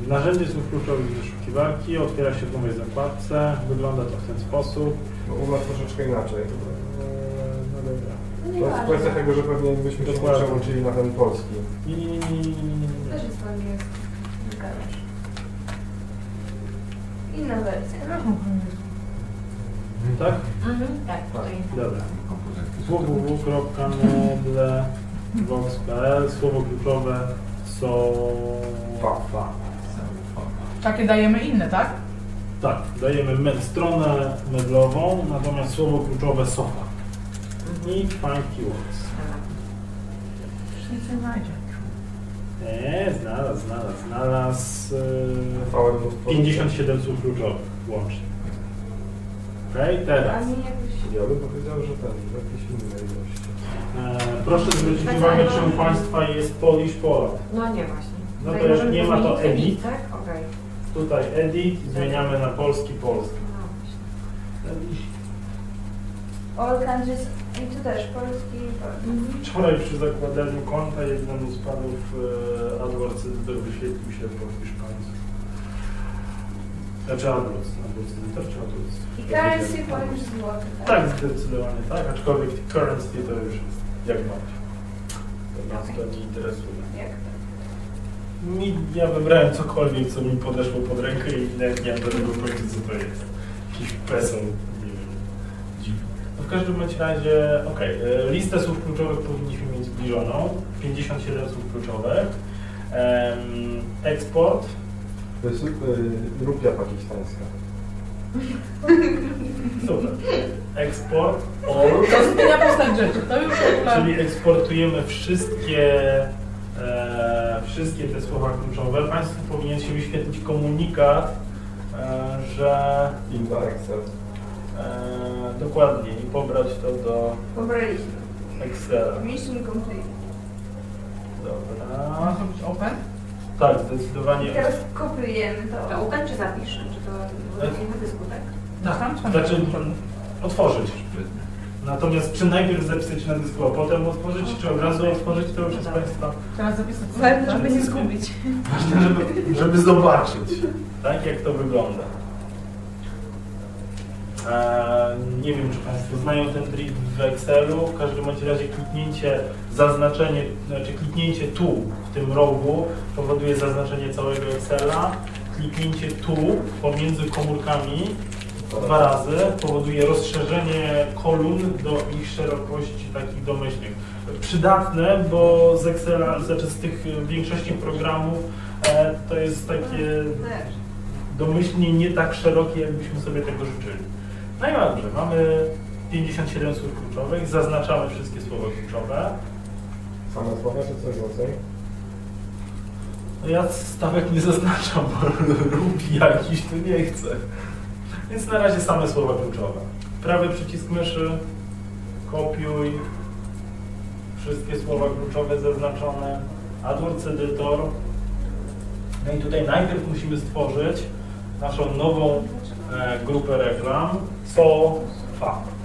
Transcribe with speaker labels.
Speaker 1: Narzędzie słów kluczowych wyszukiwarki otwiera się w nowej zakładce. Wygląda to w ten sposób.
Speaker 2: No, u nas troszeczkę inaczej.
Speaker 1: No dobra.
Speaker 2: To jest kwestia tego, że pewnie byśmy się przełączyli na ten polski.
Speaker 1: Nie.
Speaker 3: Też jest po angielsku. Zgadzasz. Inna wersja.
Speaker 1: Tak?
Speaker 3: Tak, tutaj.
Speaker 1: Dobra. www.medle.vox.pl. Słowo kluczowe sofa.
Speaker 4: Takie dajemy inne, tak?
Speaker 1: Tak, dajemy stronę medlową, natomiast słowo kluczowe sofa. I find keywords.
Speaker 4: Już nic nie znajdzie.
Speaker 1: Nie, znalazł 57 słów kluczowych łącznie. Okej, teraz.
Speaker 3: A nie jakoś...
Speaker 2: Ja bym powiedział, że ten, jakieś inne ilości.
Speaker 1: Proszę zwrócić uwagę, czy u Państwa jest Polish Polak.
Speaker 5: No nie właśnie.
Speaker 1: No to
Speaker 5: Tutaj
Speaker 1: jak
Speaker 5: możemy
Speaker 1: nie ma, to
Speaker 5: zmienić
Speaker 1: edit.
Speaker 5: tak? Okej.
Speaker 1: Tutaj edit, zmieniamy na polski.
Speaker 5: No właśnie.
Speaker 3: All countries... I tu też polski...
Speaker 1: Wczoraj przy zakładaniu konta jednemu z panów AdWords wyświetlił się po hiszpańsku. Znaczy AdWords czy AdWords?
Speaker 3: I currency Polish złoty, tak?
Speaker 1: Tak, zdecydowanie tak, aczkolwiek currency to już jest jak macie. To nas to nie interesuje.
Speaker 3: Jak to?
Speaker 1: Ja wybrałem cokolwiek, co mi podeszło pod rękę i nawet nie mam do tego pojęcia, co to jest. Jakiś peso, nie wiem, dziwne. No w każdym razie, listę słów kluczowych powinniśmy mieć zbliżoną. 57 słów kluczowych. Eksport.
Speaker 2: To jest rupia pakistańska.
Speaker 1: Super. Eksport.
Speaker 4: To zmienia postać rzeczy. To już w ogóle...
Speaker 1: Czyli eksportujemy wszystkie te słowa kluczowe. Państwu powinien się wyświetlić komunikat, że
Speaker 2: Inda Excel.
Speaker 1: dokładnie i pobrać to do
Speaker 3: Pobraliśmy.
Speaker 1: Excela.
Speaker 3: Mission complete.
Speaker 1: Dobra.
Speaker 4: Można zrobić open?
Speaker 1: Tak,
Speaker 3: I
Speaker 1: zdecydowanie.
Speaker 3: teraz kopiujemy to.
Speaker 5: To open czy zapisz? Czy to nie na dysku, tak?
Speaker 1: Tak, znaczy otworzyć. Natomiast czy najpierw zapisać na dysku, a potem otworzyć, czy od razu otworzyć, to już jest Państwa
Speaker 4: Teraz zapisać.
Speaker 3: Ważne, żeby nie zgubić.
Speaker 1: ważne, żeby zobaczyć, tak, jak to wygląda. Nie wiem, czy Państwo znają ten trik w Excelu. W każdym bądź razie kliknięcie tu, w tym rogu, powoduje zaznaczenie całego Excela. Kliknięcie tu pomiędzy komórkami 2 razy powoduje rozszerzenie kolumn do ich szerokości takich domyślnych. Przydatne, bo z Excela, znaczy z tych większości programów to jest takie domyślnie nie tak szerokie, jakbyśmy sobie tego życzyli. No i dobrze, mamy 57 słów kluczowych, zaznaczamy wszystkie słowa kluczowe.
Speaker 2: Same słowa czy coś więcej?
Speaker 1: No ja stawek nie zaznaczam, bo rupi jakiś tu nie chcę. Więc na razie same słowa kluczowe. Prawy przycisk myszy, kopiuj, wszystkie słowa kluczowe zaznaczone, AdWords Editor. No i tutaj najpierw musimy stworzyć naszą nową grupę reklam, sofa.